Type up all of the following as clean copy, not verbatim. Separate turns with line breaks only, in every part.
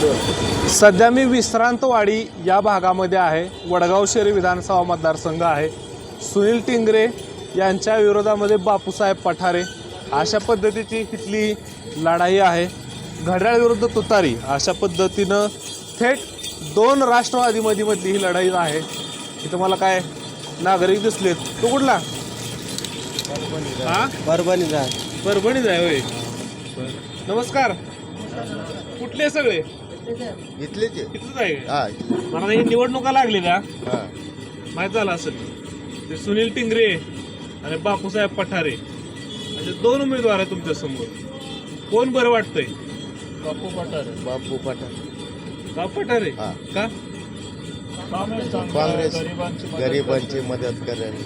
सध्या मी विश्रांतवाडी या भागामध्ये आहे. वडगाव शहरी विधानसभा मतदारसंघ आहे. सुनील टिंगरे यांच्या विरोधामध्ये बापूसाहेब पठारे अशा पद्धतीची इथली लढाई आहे. घड्याळ विरुद्ध तुतारी अशा पद्धतीनं थेट दोन राष्ट्रवादीमधली ही लढाई आहे. इथं मला काय नागरिक दिसलेत. तो कुठला?
परभणीचा
परभणीच आहे होय. नमस्कार. कुठले सगळे?
इथलेच
इथलंच आहे. मला ही निवडणुका लागलेल्या माहीत झालं असेल. ते सुनील टिंगरे आणि बापूसाहेब पठारे असे दोन उमेदवार आहेत तुमच्या समोर. कोण बरं वाटतंय?
बापू पठारे
बापू पठारे का?
काँग्रेस गरिबांची मदत करेल.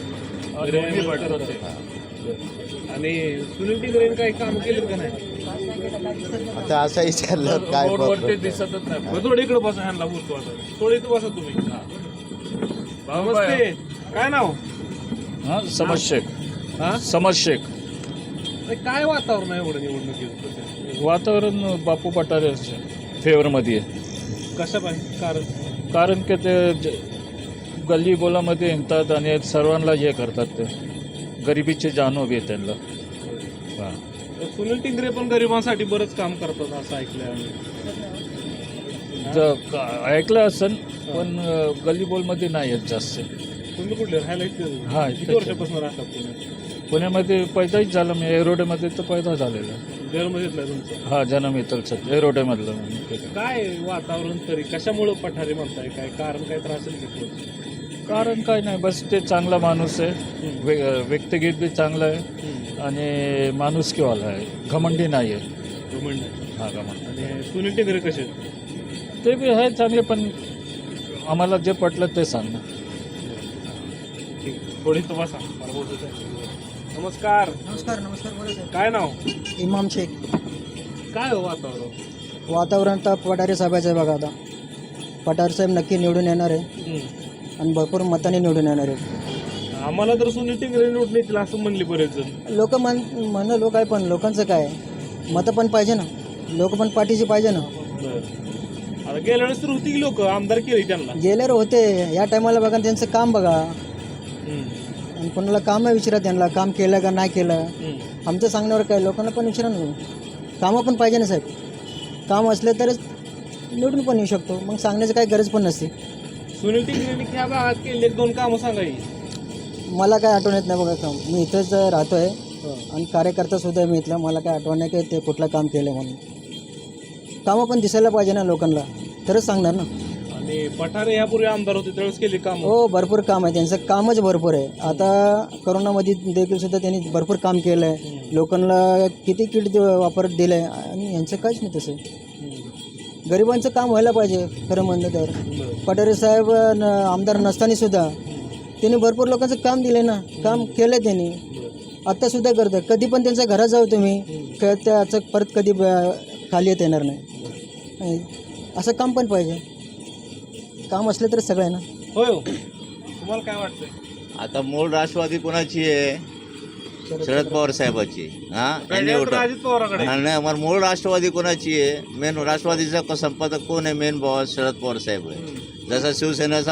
आणि सुनील टिंगरेने काही काम केलं का नाही?
आता असं विचारलं काय
दिसतच नाही. थोडं इकडे बसा. ह्यांना बोलतो आता. थोडं इथं बसा तुम्ही. नमस्ते. काय नाव?
समज शेख. समज शेख.
काय वातावरण आहे एवढं निवडणुकीत?
वातावरण बापू पठारे फेवरमध्ये आहे.
कशा पाहिजे?
कारण की ते गल्ली बोलामध्ये हिंडतात आणि सर्वांना हे करतात. ते गरिबीची जाणीव आहे त्यांना.
सुनील टिंगरे पण गरिबांसाठी बरंच काम करतात असं ऐकलंय आम्ही.
ऐकलं असेल पण गल्ली बोलमध्ये नाही आहेत जास्त.
तुम्ही कुठले राहायला?
हा,
किती वर्षापासून राहतात तुम्ही?
पुण्यामध्ये पैदाच झालं. मी एरोडेमध्ये तर पैदा झालेला.
जन्म घेतलाय तुमचा?
हा, जन्म इथलच एरोडेमधलं.
काय वातावरण तरी कशामुळं पठारे म्हणताय? काय कारण काय त्रास असेल?
कारण काय नाही, बस ते चांगला माणूस आहे. व्यक्तिगत बी चांगला आहे आणि माणुसकीवाला आहे. घमंडी नाही आहे.
घमंड?
हा, घमंड.
आणि सुनील टिंगरे कसे?
ते बी आहे चांगले, पण आम्हाला जे पटलं ते सांग.
ठीक. थोडी तुम्हाला नमस्कार.
नमस्कार. नमस्कार.
काय नाव?
इमाम शेख.
काय हो वातावरण?
वातावरण तर पठारे साहेबाचं आहे बघा. आता पठारे साहेब नक्की निवडून येणार आहे आणि भरपूर मताने निवडून येणार आहे.
आम्हाला तर सुनील टिंगरे निवडून येतील असं म्हणले बरेच जण.
लोक म्हणणं लोक आहे, पण लोकांचं काय मतं पण पाहिजे ना. लोक पण पाठीशी पाहिजे ना.
आता गेल्या वेळेस तर होती की लोक आमदार केले त्यांना.
गेल्यावर होते. या टायमाला बघा त्यांचं काम बघा आणि कोणाला काम विचारा त्यांना काम केलं का नाही केलं. आमचं सांगण्यावर काय, लोकांना पण विचारा ना. कामं पण पाहिजे ना साहेब. काम असले तरच निवडून पण येऊ शकतो. मग सांगण्याची काही गरज पण नसते.
सुनील टिंगरेंनी ह्या भागात केले दोन कामं सांगाई.
मला काय आठवण येत नाही बघा काम. मी इथंच राहतो आहे आणि कार्यकर्ता सुद्धा आहे मी इथला. मला काय आठवण नाही की ते कुठलं काम केलं म्हणून. कामं पण दिसायला पाहिजे ना लोकांना, तरच सांगणार ना.
आणि पठारे यापूर्वी आमदार होते त्यावेळेस केली काम.
हो, भरपूर काम आहे त्यांचं. कामच भरपूर आहे. आता करोनामध्ये देखील सुद्धा त्यांनी भरपूर काम केलं आहे. लोकांना किती किट वापर दिलं आहे आणि यांचं काहीच नाही तसं. गरिबांचं काम व्हायला पाहिजे खरं म्हणलं तर. पठारे साहेब आमदार नसताना सुद्धा त्यांनी भरपूर लोकांचं काम दिलं ना. काम केलं त्यांनी. आत्तासुद्धा करतं. कधी पण त्यांच्या घरात जाऊ तुम्ही, त्याचं परत कधी खाली येणार नाही. असं काम पण पाहिजे. काम असलं तर सगळं आहे ना.
होय. तुम्हाला काय वाटतंय?
आता मूळ राष्ट्रवादी कोणाची आहे? शरद पवार साहेबाची.
अजित पवाराकडे.
नाही, आम्हाला मूळ राष्ट्रवादी कोणाची आहे? मेन राष्ट्रवादीचा संपादक कोण आहे? मेन बॉस शरद पवार साहेब आहे. जसा शिवसेनेचा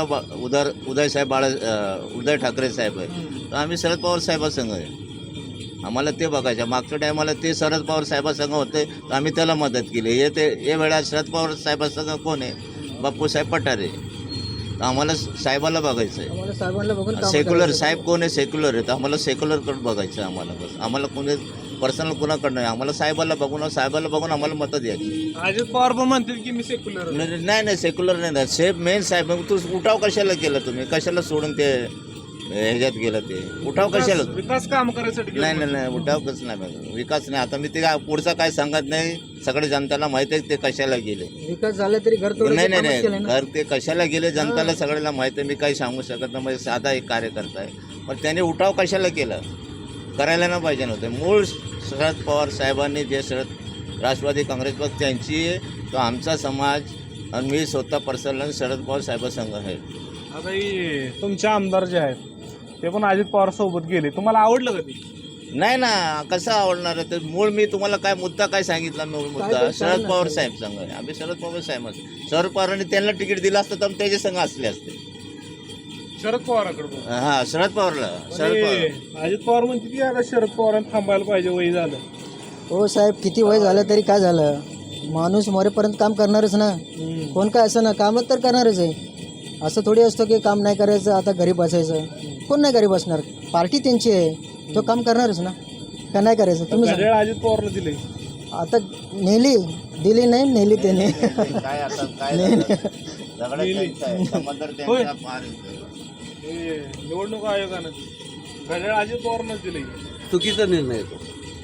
उद्धव ठाकरे साहेब आहे, तर आम्ही शरद पवार साहेबासंग आहे. आम्हाला ते बघायचं. मागच्या टायमाला ते शरद पवार साहेबासंग होते तर आम्ही त्याला मदत केली. हे वेळा शरद पवार साहेबासंग कोण आहे? बापूसाहेब पठारे. तर आम्हाला साहेबाला बघायचं आहे.
आम्हाला साहेबांना बघून काम
सेक्युलर
करायचं.
साहेब कोण आहे? सेक्युलर आहे. तर आम्हाला सेक्युलरकडे बघायचं आहे. आम्हाला बस. आम्हाला कोणी पर्सनल कुणाकडं नाही. आम्हाला साहेबाला बघून आम्हाला मतं द्यायची.
अजित पवार पण म्हणतील की मी सेक्युलर.
नाही, सेक्युलर नाही. साहेब मेन साहेब. मग तू उठाव कशाला केला तुम्ही? कशाला सोडून ते ह्याच्यात गेलं? ते उठाव कशाला?
विकास काम करायसाठी.
नाही, उठाव कसं नाही. विकास नाही. आता मी ते पुढचा काय सांगत नाही. सगळे जनताला माहिती आहे ते कशाला गेले.
विकास झाला तरी घर
नाही, घर ते कशाला गेले जनताला सगळ्याला माहिती आहे. मी काही सांगू शकत नाही. म्हणजे साधा एक कार्यकर्ता आहे, पण त्याने उठाव कशाला केला? करायला नाही पाहिजे नव्हतं. मूळ शरद पवार साहेबांनी जे राष्ट्रवादी काँग्रेस पक्ष त्यांची, तो आमचा समाज आणि मी स्वतः पर्सनल शरद पवार साहेबांसंग आहे.
आता तुमचे आमदार जे आहेत ते पण अजित पवार सोबत गेले. तुम्हाला आवडलं का ते?
नाही ना, कसं आवडणार आहे? तर मूळ मी तुम्हाला काय मुद्दा काय सांगितला? मूळ मुद्दा
काय
शरद
ना
पवार
ते?
साहेब संघ आहे. आम्ही शरद पवार साहेबच. शरद पवारांनी त्यांना तिकीट दिलं असतं तर त्याचे संघ असले असते.
शरद पवाराकडे
हा, शरद पवारला. शरद पवार
अजित पवार म्हणते की आता शरद पवारांना थांबायला पाहिजे, वय झालं.
हो साहेब, किती वय झालं तरी काय झालं, माणूस मरेपर्यंत काम करणारच ना. कोण काय असं ना, कामच तर करणारच आहे. असं थोडी असतं की काम नाही करायचं आता घरी बसायचं. कोण नाही घरी बसणार, पार्टी त्यांची आहे, तो काम करणारच ना. का नाही करायचं तुम्ही सांगा.
घड्याळ अजित पवारला दिले.
आता दिली नाही नेली त्याने.
काय आता काय झालं? दगड त्यांचा आहे, समंदर त्यांचा, पार
हे निवडणूक आयोगानं घड्याळ अजित पवारलाच दिले.
चुकीचा निर्णय येतो.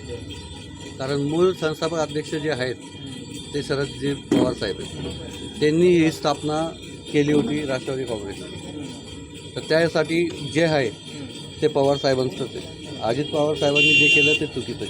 कारण मूळ संस्थापक अध्यक्ष जे आहेत ते शरदजी पवार साहेब आहेत. त्यांनी ही स्थापना केली होती राष्ट्रवादी काँग्रेसची. तर त्यासाठी जे आहे ते पवार साहेबांचंच आहे. अजित पवार साहेबांनी जे केलं ते चुकीचं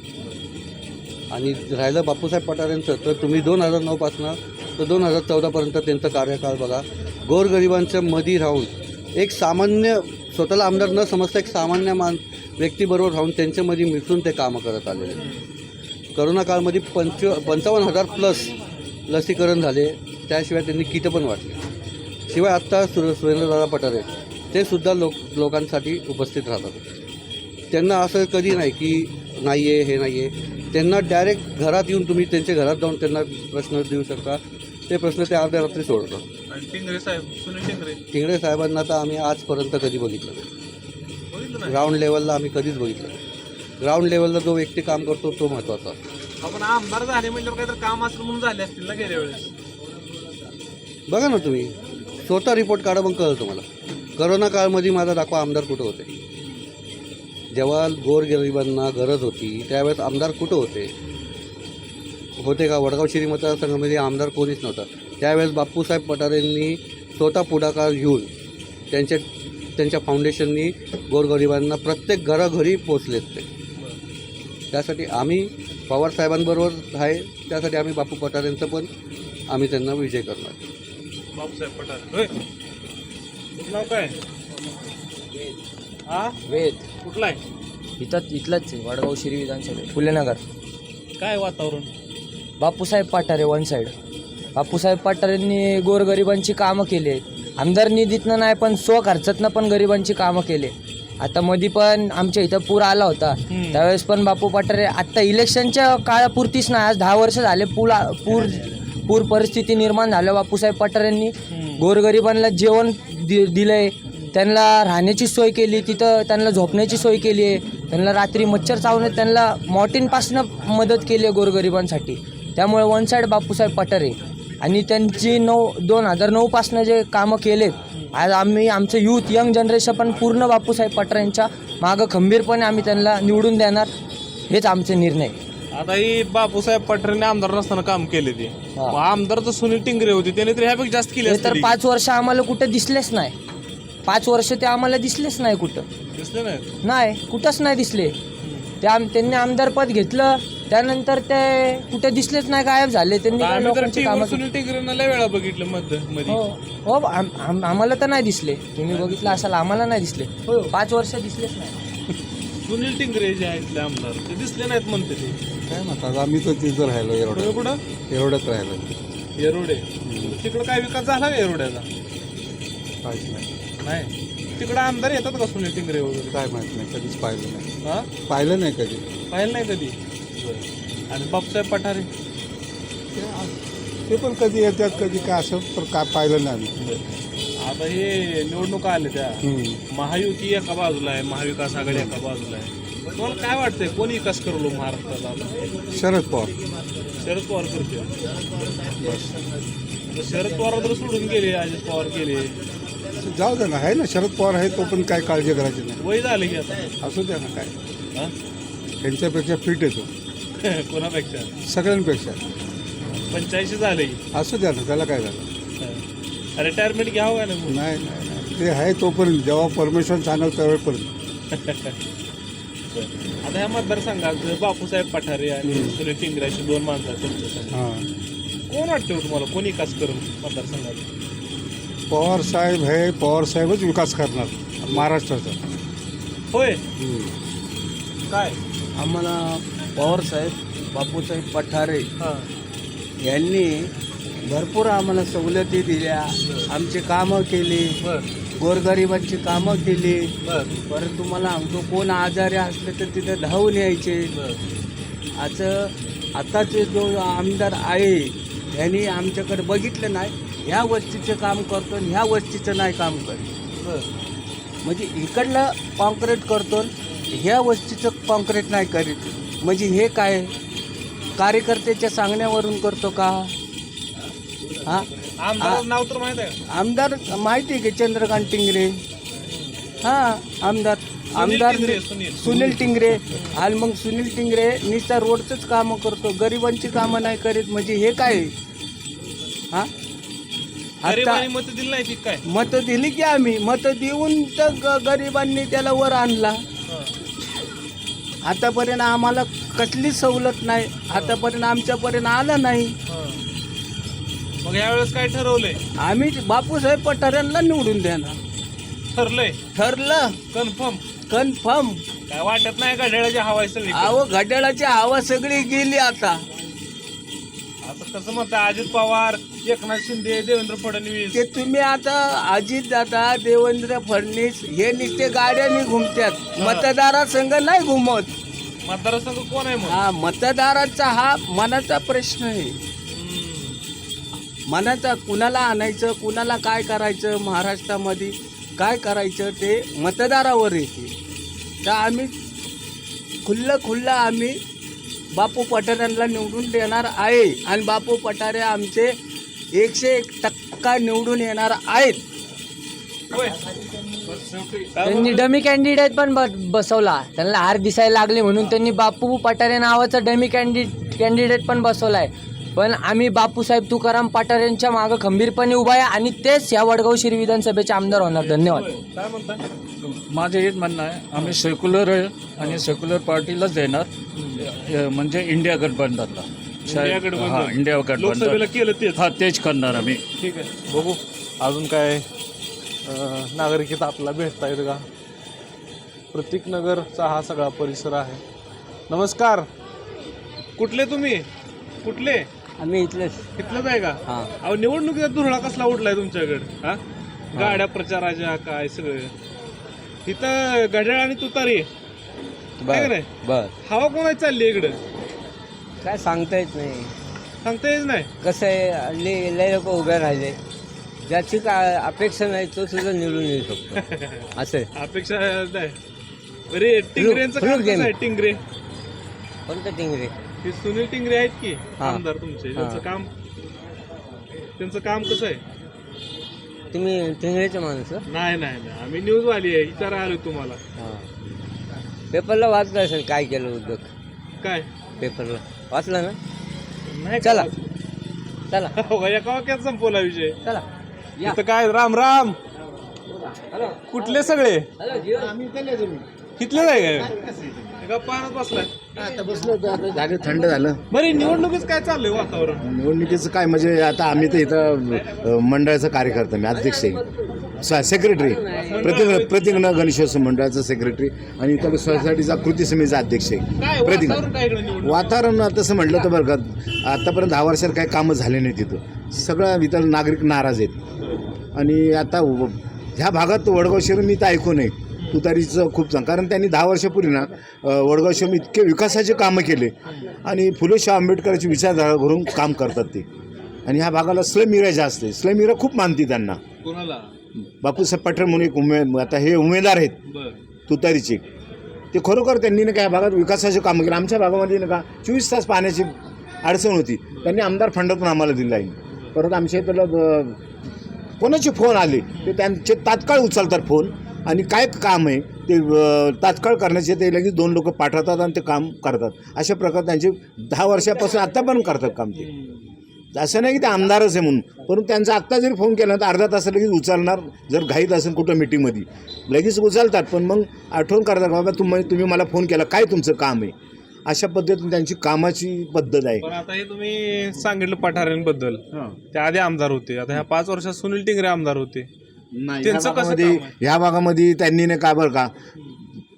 केलं. आणि राहिलं बापूसाहेब पठारेंचं, तर तुम्ही 2009पासनं तर 2014पर्यंत त्यांचं कार्यकाळ बघा. गोरगरिबांच्या मध्ये राहून एक सामान्य, स्वतःला आमदार न समजता एक सामान्य व्यक्तीबरोबर राहून त्यांच्यामध्ये मिसळून ते कामं करत आलेले. करोना काळमध्ये 55,000 प्लस लसीकरण झाले. त्याशिवाय त्यांनी किटं पण वाटले. शिवाय आत्ता सुरेंद्रदादा पठारे ते सुद्धा लोकांसाठी उपस्थित राहतात. त्यांना असं कधी नाही की नाही आहे, हे नाही आहे. त्यांना डायरेक्ट घरात येऊन तुम्ही त्यांच्या घरात जाऊन त्यांना प्रश्न देऊ शकता. ते प्रश्न ते अर्ध्या रात्री सोडतात.
आणि टिंगरे साहेब, सुनील टिंगरे
टिंगरे साहेबांना तर आम्ही आजपर्यंत कधी बघितलं नाही.
बघितलं नाही.
ग्राउंड लेवलला आम्ही कधीच बघितलं नाही. ग्राउंड लेवलला जो व्यक्ती काम करतो तो महत्त्वाचा.
आपण आमदार झाले म्हणजे काहीतरी काम असलं म्हणून झाले असतील ना गेल्या वेळेस.
बघा ना तुम्ही, स्वतः रिपोर्ट काढा मग कळलं तुम्हाला. करोना काळमध्ये माझा दाखवा आमदार कुठं होते. जेव्हा गोरगरिबांना गरज होती त्यावेळेस आमदार कुठं होते का? वडगाव शिरी मतदारसंघामध्ये आमदार कोणीच नव्हता. त्यावेळेस बापूसाहेब पठारेंनी स्वतः पुढाकार घेऊन त्यांच्या फाउंडेशननी गोरगरिबांना प्रत्येक घरोघरी पोचलेत ते. त्यासाठी आम्ही पवार साहेबांबरोबर आहे. त्यासाठी आम्ही बापू पठारेंचं पण आम्ही त्यांना विजय करणार.
बापूसाहेब पठारे. होय, तुझं नाव काय? हा,
वेद
कुठला आहे?
इथलाच आहे, वडगाव शिरी विधानसभा, फुलेनगर.
काय वातावरण?
Bapusaheb Pathare one side. बापूसाहेब पठारेंनी गोरगरिबांची कामं केली आहेत. आमदार निधीतनं नाही पण स्वखर्चातनं पण गरिबांची कामं केले. आता मध्ये पण आमच्या इथं पूर आला होता, त्यावेळेस पण बापू पठारे, आत्ता इलेक्शनच्या काळापुरतीच नाही, आज 10 वर्ष झाले पूर परिस्थिती निर्माण झालं. बापूसाहेब पठारेंनी गोरगरिबांना जेवण दिलंय, त्यांना राहण्याची सोय केली, तिथं त्यांना झोपण्याची सोय केली आहे, त्यांना रात्री मच्छर चावण्यात त्यांना मॉर्टिनपासनं मदत केली आहे गोरगरिबांसाठी. त्यामुळे वन साईड बापूसाहेब पठारे. आणि त्यांची 2009पासनं जे कामं केलेत, आज आमचं यूथ यंग जनरेशन पण पूर्ण बापूसाहेब पठारेंच्या मागं खंबीरपणे आम्ही त्यांना निवडून देणार, हेच आमचे निर्णय.
आता ही बापूसाहेब पठारेंनी आमदार नसताना काम केले ते. मग आमदार तर सुनील टिंगरे होते, त्याने तर ह्यापेक्षा जास्त केले
ते तर 5 वर्ष आम्हाला कुठं दिसलेच नाही. 5 वर्ष ते आम्हाला दिसलेच नाही कुठं.
दिसले नाही.
नाही, कुठंच नाही दिसले. त्यांनी आमदारपद घेतलं, त्यानंतर ते कुठे दिसलेच नाही, गायब झाले. त्यांनी काय
आम्ही तर
लोकांची कामं
सुनील टिंगरेंना लय वेळा बघितलं मध्ये.
हो, आम्हाला तर नाही दिसले. तुम्ही बघितलं असाल, आम्हाला नाही दिसले. 5 वर्ष दिसलेच नाही.
सुनील टिंगरे जे आहेत इथले आमदार, ते दिसले नाहीत म्हणते ते.
काय म्हणतात, आम्ही तर तिथं राहिलो,
तुम्ही कुठं?
एवढ्यात राहिलो.
येरोडे. तिकडं काय विकास झाला का येरोड्याचा?
काहीच नाही.
नाही. तिकडं आमदार येतात का सुनील टिंगरे वगैरे?
काय माहित नाही, कधीच पाहिलं नाही.
हा,
पाहिलं नाही कधी.
पाहिलं नाही कधी. आणि बापूसाहेब पठारे
ते पण कधी येतात कधी काय, असं तर काय पाहिलं नाही आम्ही.
आता हे निवडणुका आल्या त्या, महायुती एका बाजूला आहे, महाविकास आघाडी एका बाजूला आहे. तुम्हाला काय वाटतंय, कोण विकास करलो महाराष्ट्राला आता?
शरद पवार.
शरद पवार करते. शरद पवार तर सोडून गेले, अजित पवार गेले.
जाऊ द्या ना, आहे ना शरद पवार आहे, तो पण काय काळजी करायची नाही.
वय झालं की आता.
असू द्या ना, काय
हा?
त्यांच्यापेक्षा फिट येतो
कोणापेक्षा?
सगळ्यांपेक्षा.
85 झाले की.
असू द्या ना, त्याला काय झालं.
रिटायरमेंट घ्यावं का नाही?
नाही नाही नाही, ते आहे तोपर्यंत, जेव्हा परमेश्वर सांगेल त्यावेळेपर्यंत.
आता ह्या मतदारसंघात बापूसाहेब पठारे आणि सुनील टिंगरे अशी 2 माणसं आहेत तुमच्या.
हां,
कोण वाटतं तुम्हाला, कोण विकास करून मतदारसंघात?
पवार साहेब आहे, पवार साहेबच विकास करणार महाराष्ट्राचा.
होय. काय?
आम्हाला पवारसाहेब बापूसाहेब पठारे
हां
यांनी भरपूर आम्हाला सवलती दिल्या, आमचे कामं केली,
बर
गोरगरिबांची कामं केली.
बर
परत तुम्हाला सांगतो, कोण आजारी असले तर तिथे धावून यायचे.
बर
असं आताचे जो आमदार आहे यांनी आमच्याकडे बघितलं नाही, ह्या वस्तीचं काम करतो आणि ह्या वस्तीचं नाही काम करतो.
बर
म्हणजे इकडलं कॉन्क्रीट करतो, ह्या वस्तीचं कॉन्क्रीट नाही करीत. म्हणजे हे काय कार्यकर्त्याच्या सांगण्यावरून करतो का? हां,
आमदार नाव तर माहित आहे?
आमदार माहिती आहे की चंद्रकांत टिंगरे. हां, आमदार
टिंगरे,
सुनील टिंगरे. आणि मग सुनील टिंगरे नुसता रोडचंच कामं करतो, गरिबांची कामं नाही करीत. म्हणजे हे काय? हां, आता
गरिबांनी मत दिली नाही ती काय?
मतं दिली की आम्ही मतं देऊन तर गरिबांनी त्याला वर आणला. आतापर्यंत आम्हाला कसलीच सवलत नाही, आतापर्यंत आमच्यापर्यंत आलं नाही.
मग यावेळेस काय ठरवलंय?
आम्ही बापूसाहेब पठारेंना निवडून देणार.
ठरलंय
ठरलं
कन्फर्म?
कन्फर्म.
काय वाटत नाही का ढेळाची हवा आहे सगळी?
अहो, घड्याळाची हवा सगळी गेली आता.
असं कसं म्हणता? अजित पवार, एकनाथ शिंदे, देवेंद्र फडणवीस.
ते तुम्ही आता अजित दादा, देवेंद्र फडणवीस हे नुसते गाड्यांनी घुमतात, मतदारासंघ नाही घुमत.
मतदारसंघ कोण आहे मग?
हा, मतदाराचा हा मनाचा प्रश्न आहे. मनाचा कुणाला आणायचं, कुणाला काय करायचं, महाराष्ट्रामध्ये काय करायचं ते मतदारावर येते. तर आम्ही खुल्लं आम्ही बापू पठारेंना निवडून देणार आहे. आणि बापू पठारे आमचे 101% निवडून येणार आहेत.
होय.
त्यांनी डमी कॅन्डिडेट पण बसवला. त्यांना हार दिसायला लागले म्हणून त्यांनी बापू पठारे नावाचा डमी कॅन्डिडेट पण बसवलाय. पण आम्ही बापूसाहेब तुकाराम पठारेंच्या मागं खंबीरपणे उभा आहे आणि तेच या वडगाव शिरी विधानसभेचे आमदार होणार. धन्यवाद.
काय म्हणता?
माझं हेच म्हणणं आहे, आम्ही सेक्युलर आहे आणि सेक्युलर पार्टीलाच देणार. म्हणजे इंडिया गठबंधनला.
इंडिया गठबंधन.
हां, इंडिया
लोकसभेला
गठबंधन.
केलं तेच.
हां, तेच करणार आम्ही.
ठीक आहे, बघू अजून काय नागरिकता आपल्याला भेटता येतं का? प्रतीकनगरचा हा सगळा परिसर आहे. नमस्कार, कुठले तुम्ही? कुठले?
आम्ही इथलेच.
इथलंच आहे का?
हां.
अहो, निवडणुकीचा धुरळा कसला उठलाय तुमच्याकडे? हा, गाड्या प्रचाराच्या काय सगळं इथं घड्याळ आणि तुतारी आहे का नाही?
बर,
हवा कोणाची चालली इकडं?
काय सांगता येत नाही.
सांगता येत नाही.
कसं आहे, लय लोक उभे राहिले, ज्याची काय अपेक्षा नाही तो सुद्धा निवडून येऊ शकतो. असं आहे.
अपेक्षा नाही. अरे टिंगरेंचं काम कसं आहे? टिंगरे,
कोणतं टिंगरे?
हे सुनील टिंगरे आहेत की
हा.
आमदार तुमचे,
हा.
त्यांचं काम कसं आहे?
तुम्ही टिंगरेचे माणूस?
नाही नाही नाही, आम्ही न्यूज वाली आहे, विचारा आलो तुम्हाला.
पेपरला वाचलं असेल काय केलं उद्योग.
काय
पेपरला वाचलं ना?
नाही का?
चला चला
हो, एका वाक्यात संपवला विषय.
चला.
इथं काय राम राम, कुठले सगळे इथलेच आहे काय? पाण्यात बसलाय.
आता बसलो होतो, आता झालं थंड झालं.
बरं, निवडणुकीच काय चाललंय वातावरण?
निवडणुकीचं काय म्हणजे आता आम्ही तर इथं मंडळाचा कार्यकर्ता, मी अध्यक्ष आहे, सेक्रेटरी, प्रतीकनगर गणेशोत्सव मंडळाचा सेक्रेटरी आणि इथं सोसायटीचा कृती समितीचा अध्यक्ष आहे.
काय
प्रतीक
वातावरण काय इकडे निवडणूक?
वातावरण तसं म्हटलं तर बरं का, आतापर्यंत 10 वर्षात काही कामं झाले नाही तिथं. सगळं इथं नागरिक नाराज आहेत. आणि आता ह्या भागात वडगाव शहर मी तर ऐकू नये तुतारीचं खूप चांगलं, कारण त्यांनी 10 वर्षापूर्वी ना वडगाव शहर इतके विकासाचे कामं केले आणि फुले शाह आंबेडकरांची विचारधारा घरून काम करतात ते. आणि ह्या भागाला स्लम एरिया जास्त आहे, स्लम एरिया खूप मानते त्यांना.
कोणाला?
बापूसाहेब पठारे म्हणून एक आता हे उमेदवार आहेत
बरं.
तुतारीचे, ते खरोखर त्यांनी ना काय भागात विकासाचे कामं केले. आमच्या भागामध्ये ना का 24 तास पाण्याची अडचण होती, त्यांनी आमदार फंडातून आम्हाला दिला आहे. परत आमच्या इथलं कोणाचे फोन आले ते त्यांचे तात्काळ उचलतात फोन, आणि काय काम आहे ते तात्काळ करण्याचे ते लगेच 2 लोक पाठवतात आणि ते काम करतात. अशा प्रकारे त्यांचे 10 वर्षापासून आत्ता पण करतात काम ते. असं नाही की ते आमदारच आहे म्हणून, परंतु त्यांचा आत्ता जरी फोन केला तर अर्धा तास लगेच उचलणार. जर घाईत असेल कुठं मिटिंगमध्ये लगेच उचलतात, पण मग आठवण करतात बाबा तुम्ही मला फोन केला, काय तुमचं काम आहे. अशा पद्धतीने त्यांची कामाची पद्धत आहे.
पण आता हे तुम्ही सांगितलं पठारेंबद्दल, ते आधी आमदार होते, आता ह्या 5 वर्षात सुनील टिंगरे आमदार होते. त्यांचं कसं काम आहे?
ह्या भागामध्ये त्यांनी नाही काय बरं का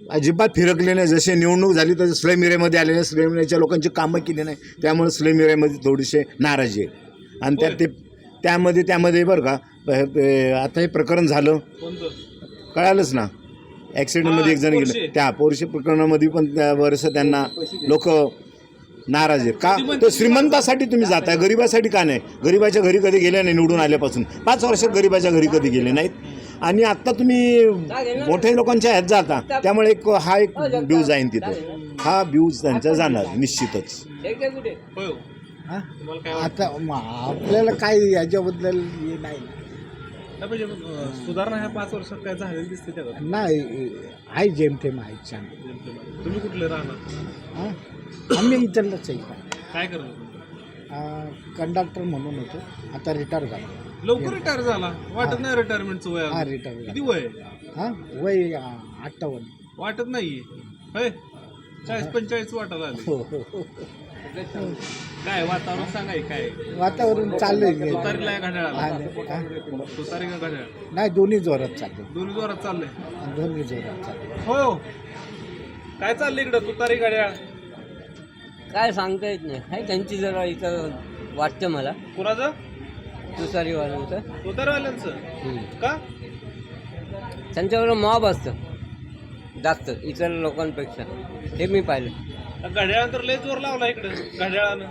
अजिबात फिरकले नाही. जसे निवडणूक झाली तसे स्लम एरियामध्ये आले नाही, स्लम एरियाच्या लोकांची कामं केली नाही, त्यामुळे स्लम एरियामध्ये थोडीसे नाराजी आहे. आणि त्यामध्ये बरं का आता हे प्रकरण झालं कळालंच ना, ॲक्सिडेंटमध्ये एक जण गेले, त्या पोरशे प्रकरणामध्ये पण बरंचसं त्यांना लोक नाराज आहेत. का तर श्रीमंतासाठी तुम्ही जाताय, गरिबासाठी का नाही? गरिबाच्या घरी कधी गेले नाही निवडून आल्यापासून, 5 वर्षात गरिबाच्या घरी कधी गेले नाहीत. आणि आत्ता तुम्ही मोठ्या लोकांच्या ह्यात जाता, त्यामुळे हा एक ब्यूज जाईन तिथं, हा ब्यूज त्यांचा जाणार निश्चितच.
आता आपल्याला काय याच्याबद्दल हे नाही
सुधारणा ह्या 5 वर्षात काय झालेली दिसते त्या
नाही आहे, जेमतेम आहे छान.
तुम्ही कुठले राहणार?
हां आम्ही इथलंच आहे.
काय करत?
कंडक्टर म्हणून होतो, आता रिटायर झालो.
लवकर रिटायर झाला, वाटत नाही रिटायरमेंटचं वय
हा
अजून.
रिटायर
किती
झालो.
वय?
हां वय 58.
वाटत नाहीये होय, 40-45 वाटायला आले.
हो हो हो.
काय वातावरण सांगाय काय?
वातावरण चाललंय
तुतारीला या घड्याळाला?
हा?
तुतारी का घड्याळ?
नाही दोन्ही जोरात चालले,
दोन्ही जोरात चाललंय.
दोन्ही जोरात चालले.
हो, काय चाललंय इकडं तुतारी घड्याळ?
काय सांगता येत नाही, आहे त्यांची जरा इथं वाटतं मला
कुणाचं?
तुतारीवाल्यांचं.
तुतारीवाल्यांचं का?
त्यांच्यावर मॉब असतं जास्त इतर लोकांपेक्षा, हे मी पाहिलं.
घड्याळानंतर लय जोर लावला इकडं घड्याळानं.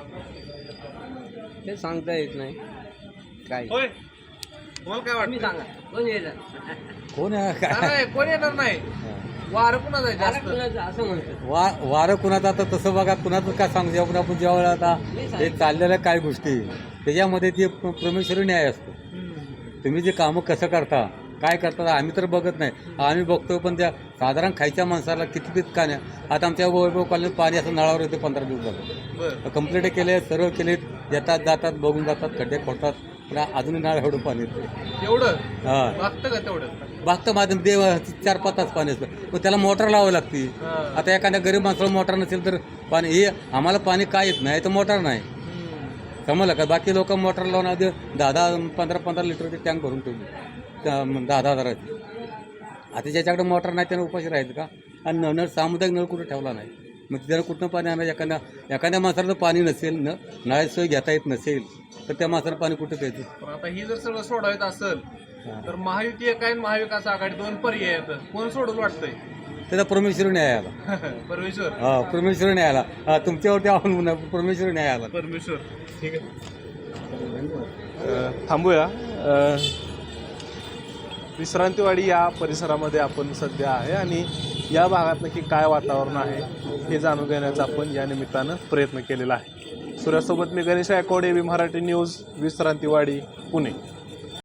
ते सांगता येत नाही काय.
होय, तुम्हाला काय वाटतं?
सांगा कोण येणार?
कोण
नाही, कोण येणार नाही. वारं कुणाचं आहे जास्त?
असं म्हणतात.
वारं कुणाचं आता तसं बघा, कुणाचं काय सांगू आपण. आपण ज्यावेळेला आता हे चाललेल्या काय गोष्टी त्याच्यामध्ये ते परमेश्वरी न्याय असतो. तुम्ही जे कामं कसं करता, काय करता, आम्ही तर बघत नाही, आम्ही बघतो. पण त्या साधारण खायच्या माणसाला किती का नाही. आता आमच्या वैभव कॉलनीत पाणी असं नळावर येते 15 दिवस झालं. कंप्लेंट केले, सर्व केले, येतात जातात, बघून जातात, खड्डे खोडतात, पण अजूनही नळ एवढं पाणी येते.
एवढं
हां
बघतं का तेवढं?
बागतं माझं देव 4-5 तास पाणी असतं, पण त्याला मोटर लावावी लागते. आता एखाद्या गरीब माणसाला मोटर नसेल तर पाणी, हे आम्हाला पाणी काय येत नाही तर मोटर नाही, समजलं का? बाकी लोक मोटर लावून आधी 10-15 लिटरचे टँक भरून ठेवले 10,000. आता ज्याच्याकडे मोटर नाही त्यानं उपाशी राहायचं का? आणि नळ सामुदायिक नळ कुठं ठेवला नाही, मग त्यानं कुठनं पाणी आणायचं? एखाद्या माणसाला जर पाणी नसेल, नळाची सोय घेता येत नसेल तर त्या माणसाला पाणी कुठं प्यायचं?
पण आता ही जर सगळं सोडायचं असेल तर महायुती एक आहे आणि महाविकास आघाडी, 2 पर्याय आहेत. कोण सोडून वाटतंय?
त्याचा परमेश्वर न्याय आला.
परमेश्वर.
हा परमेश्वर न्याय आला. तुमच्यावरती अवलंबून परमेश्वर न्याय आला.
परमेश्वर. ठीक आहे, थांबूया. विश्रांतीवाडी या परिसरामध्ये आपण सध्या आहे आणि या भागात नक्की काय वातावरण आहे हे जाणून घेण्याचा आपण या निमित्तानं प्रयत्न केलेला आहे. सूर्यासोबत मी गणेश गायकवाड, एबी मराठी न्यूज, विश्रांतीवाडी, पुणे.